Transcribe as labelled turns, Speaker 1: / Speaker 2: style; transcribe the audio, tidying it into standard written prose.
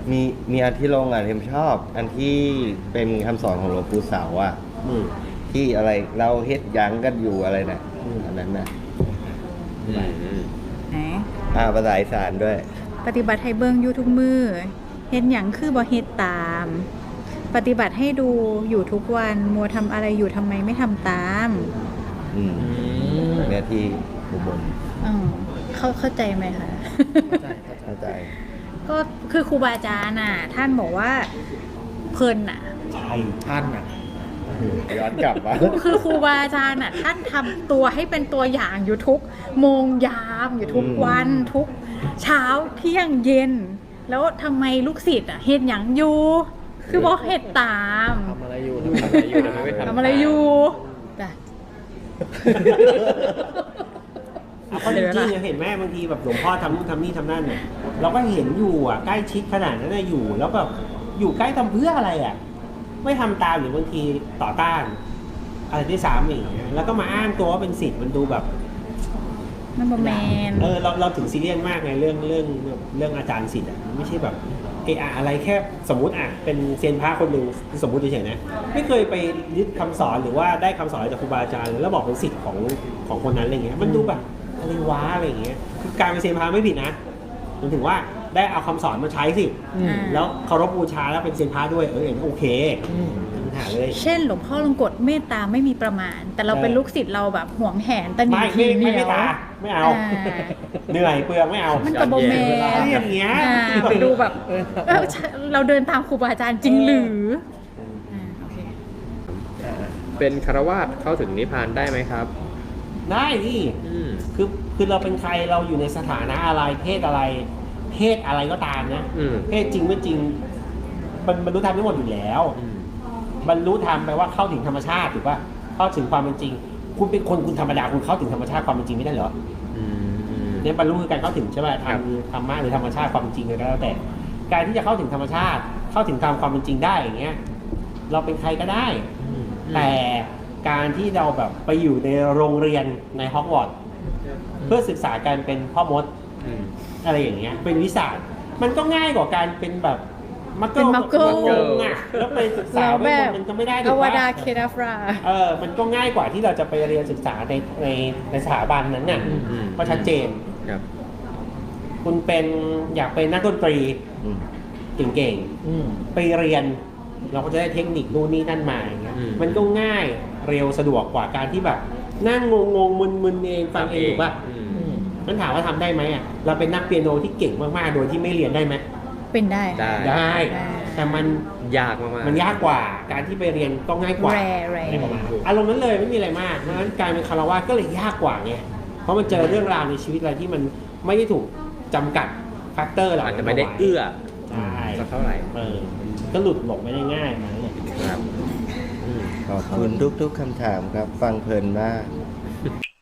Speaker 1: มีมีอันที่ลงอ่ะเทมชอบ อันที่เป็นคำสอนของหลวงปู่เสาอ่ะที่อะไรเราเฮ็ดหยังกันอยู่อะไรนะอันนั้นนะ
Speaker 2: ไหน
Speaker 1: ภาษาอีสานด้วย
Speaker 2: ปฏิบัติให้เบิ่งอยู่ทุกมือเฮ็ดหยังคือบ่เฮ็ดตาม ปฏิบัติให้ดูอยู่ทุกวันมัวทำอะไรอยู่ทำไมไม่ทำตาม
Speaker 1: เนี่ยที่อุบล
Speaker 2: เข้าใจไหมคะ
Speaker 1: เข้าใจ
Speaker 2: ก็คือครูบาอาจารย์น่ะ ท่านบอกว่าเพลินน่ะ
Speaker 3: ใช่ท่านอ่ะ
Speaker 1: ย้อนกลับมา
Speaker 2: คือครูบาอาจารย์น่ะ ท่านทำตัวให้เป็นตัวอย่างอยู่ทุกโมงยามอยู่ทุกวันทุกเช้าเที่ยงเย็น แล้วทำไมลูกศิษย์อ่ะเฮ็ดหยังอยู่ คือบอกเฮ็ดตาม
Speaker 3: ทำอะไรอยู่ทำอะไรอยู่ทำไมไม่
Speaker 2: ทำอะไรอยู่จ้ะ
Speaker 4: เอาข้อจริงๆเห็นไหมบางทีแบบหลวงพ่อทำนู่นทำนี่ทำนั่นเนี่ยเราก็เห็นอยู่อ่ะใกล้ชิดขนาดนั้นอยู่ แล้วแบบอยู่ใกล้ทำเพื่ออะไรอ่ะไม่ทำตามหรือบางทีต่อต้าน อะไรที่สามอย่างเงี้ยแล้วก็มาอ้างตัวว่าเป็นศิษย์มันดูแบบ
Speaker 2: นั่นบ่แมน
Speaker 4: เราถึงซีเรียสมากไงเรื่องอาจารย์ศิษย์อ่ะไม่ใช่แบบอะไรแค่สมมุติอ่ะเป็นเซียนพระคนหนึ่งสมมุติเฉยๆนะไม่เคยไปยึดคำสอนหรือว่าได้คำสอนจากครูบาอาจารย์แล้วบอกเป็นศิษย์ของคนนั้นอะไรเงี้ยมันดูแบบอะไรวะอะไรเงี้ยคือการเป็นเซียนพระไม่ผิดนะมันถึงว่าได้เอาคำสอนมาใช้สิแล้วเคารพบูชาแล้วเป็นเซียนพระด้วยโอเคปัญหาเลย
Speaker 2: เช่นหลวงพ่อลงกฎเมตตาไม่มีประมาณ แต่เราเป็นลูกศิษย์เราแบบหวงแหนตะหนี
Speaker 4: ไม่
Speaker 2: ทีเหนียว
Speaker 4: ตาไม่เอาเหนื่อยเปลืองไม่เอา
Speaker 2: มันกับโบแมน
Speaker 4: อย่างเงี้ย
Speaker 2: มันดูแบบเราเดินตามครูบาอาจารย์จริงหรือโอเค
Speaker 3: เป็นคารวาสเข้าถึงนิพพานได้ไหมครับ
Speaker 4: ได้นี่คือเราเป็นใครเราอยู่ในสถานะอะไรเพศอะไรก็ตามนะเพศจริงไม่จริงบรรลุธรรมทั้งหมดอยู่แล้วบรรลุธรรมแปลว่าเข้าถึงธรรมชาติถูกป่ะเข้าถึงความเป็นจริง คุณเป็นคนคุณธรรมดาคุณเข้าถึงธรรมชาติความเป็นจริงไม่ได้เหรอเนี่ยบรรลุคือการเข้าถึงใช่ไหมทางธรรมะหรือธรรมชาติความเป็นจริงเลยก็แล้วแต่การที่จะเข้าถึงธรรมชาติเข้าถึงตามความเป็นจริงได้อย่างเงี้ยเราเป็นใครก็ได้แต่การที่เราแบบไปอยู่ในโรงเรียนในฮอกวอตส์เพื่อศึกษาการเป็นพ่อมดอะไรอย่างเงี้ยเป็นวิชามันก็ง่ายกว่าการเป็นแบบมักเกิลอ่ะแล้วไปศึกษามันก็ไม่ได้ถูก
Speaker 2: อว
Speaker 4: ปะ
Speaker 2: ดาเคดาฟรา
Speaker 4: มันก็ง่ายกว่าที่เราจะไปเรียนศึกษาในสถาบันนั้นน่ะก็ชัดเจนคุณเป็นอยากเป็นนักดนตรีเก่งๆไปเรียนเราก็จะได้เทคนิคนู่นนี่นั่นมาอย่างเงี้ยมันก็ง่ายเร็วสะดวกกว่าการที่แบบนั่งงงมึนเองฟังเองถูกป่ะมันถามว่าทำได้ไหมอ่ะเราเป็นนักเปียโนที่เก่งมากๆโดยที่ไม่เรียนได้ไหม
Speaker 2: เป็นได้
Speaker 4: แต่มัน
Speaker 3: ยากมาก
Speaker 4: มันยากกว่าการที่ไปเรียนก็ง่ายกว่า
Speaker 2: แร
Speaker 4: อารมณ์นั้นเลยไม่มีอะไรมากเพราะฉะนั้นการเป็นคารวะก็เลยยากกว่าไงเพราะมันเจอเรื่องราวในชีวิตอะไรที่มันไม่ได้ถูกจำกัดแฟกเตอร์เหล่า
Speaker 3: อาจ
Speaker 4: นั้น
Speaker 3: จะไม่ได้เอื้อ
Speaker 4: ใช่
Speaker 3: สักเท่าไหร่
Speaker 4: ก็หลุดหลงไม่ได้ง่ายมาเนี่ย
Speaker 3: ครับ
Speaker 1: ขอบคุณทุกๆคำถามครับ ฟังเพลินมาก